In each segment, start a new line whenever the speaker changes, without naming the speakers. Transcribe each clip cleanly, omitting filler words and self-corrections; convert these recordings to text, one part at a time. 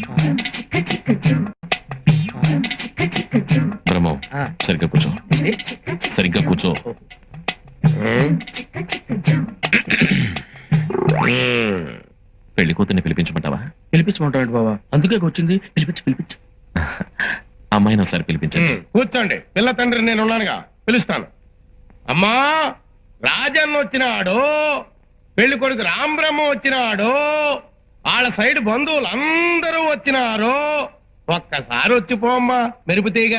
బ్రహ్మం సరిగ్గా కూర్చో, సరిగ్గా కూర్చో. పెళ్లి కూతుర్ని పిలిపించమంటావా?
పిలిపించమంటాడు బాబా, అందుకే వచ్చింది. పిలిపించు.
అమ్మాయిని ఒకసారి పిలిపించండి.
కూర్చోండి, పిల్ల తండ్రి నేను ఉన్నానుగా, పిలుస్తాను. అమ్మా, రాజన్న వచ్చినాడు, పెళ్లి కొడుకు రాంబ్రహ్మ వచ్చినాడు, వాళ్ళ సైడ్ బంధువులు అందరూ వచ్చినారు. ఒక్కసారి వచ్చిపోమ్మా మెరుపుతీగా.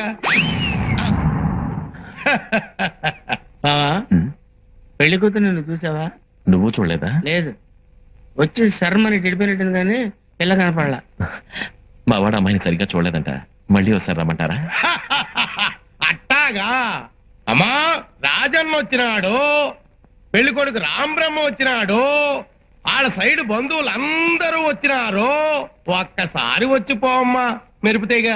బావా, పెళ్లి కూతురు నువ్వు చూసావా?
నువ్వు చూడలేదా?
లేదు, వచ్చి శర్మని గడిపోయినట్టుంది కానీ పిల్ల కనపడలా.
మా వాడు అమ్మాయిని సరిగ్గా చూడలేదంట, మళ్ళీ ఒకసారి రమ్మంటారా?
అట్టాగా. అమ్మా, రాజన్న వచ్చినాడు, పెళ్లి కొడుకు రాంబ్రహ్మ వచ్చినాడు, వాళ్ళ సైడ్ బంధువులు అందరూ వచ్చినారు. ఒక్కసారి వచ్చిపోమ్మా మెరుపుతీగా.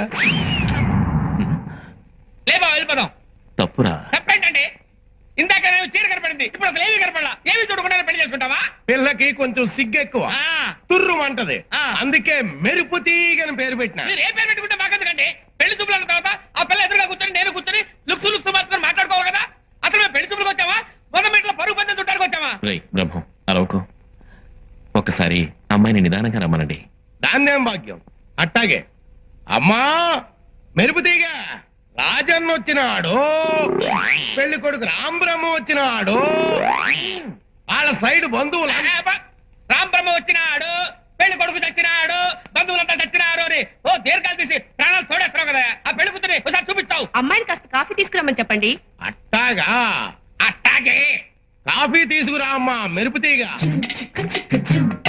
లేబా వెళ్ళిపోదాం.
తప్పురా.
తప్పేంటండి? ఇందాక నేను చీర కనపడింది, ఇప్పుడు అసలు ఏమీ కనపడలా. ఏమి చూడకుండా పెళ్లి చేసుకుంటావా?
పిల్లకి కొంచెం సిగ్గెక్కువ, తుర్రు అంటది, అందుకే మెరుపు తీగని పేరు పెట్టిన.
మీరు ఏ పేరు పెట్టుకుంటే మాకెందుకండి? పెళ్లి చూపులు అన్న తర్వాత ఆ పిల్ల ఎదురుగా కూర్చొని నేను కూర్చొని లుక్సు మాత్రం మాట్లాడుకోవాలి కదా. అసలు మేము పెళ్లి చూపులకు వచ్చావా, మొదమెట్లో పరుగు పందెం చుట్టానికి వచ్చావా?
బ్రహ్మం అరవకు, ఒక్కసారి అమ్మాయిని నిదానంగా రమ్మనండి.
దాన్నేం భాగ్యం. అట్టాగే. అమ్మా, మెరుపు తీగ, రాజన్న వచ్చినాడు, పెళ్లి కొడుకు రాంబ్రహ్మ వచ్చినాడు, వాళ్ళ సైడ్ బంధువులు.
రాంబ్రహ్మ వచ్చినాడు, పెళ్లి కొడుకు చచ్చినాడు, బంధువులంతా చచ్చినారు అని ఓ దీర్ఘాలు తీసి ప్రాణాలు తోడేస్తావు కదా. ఆ పెళ్లి కూతురి ఒకసారి చూపిస్తావు.
అమ్మాయిని కాస్త కాఫీ తీసుకురమ్మని చెప్పండి.
అట్టాగా.
అట్టాగే.
కాఫీ తీసుకురా అమ్మా మెరుపు తీగ.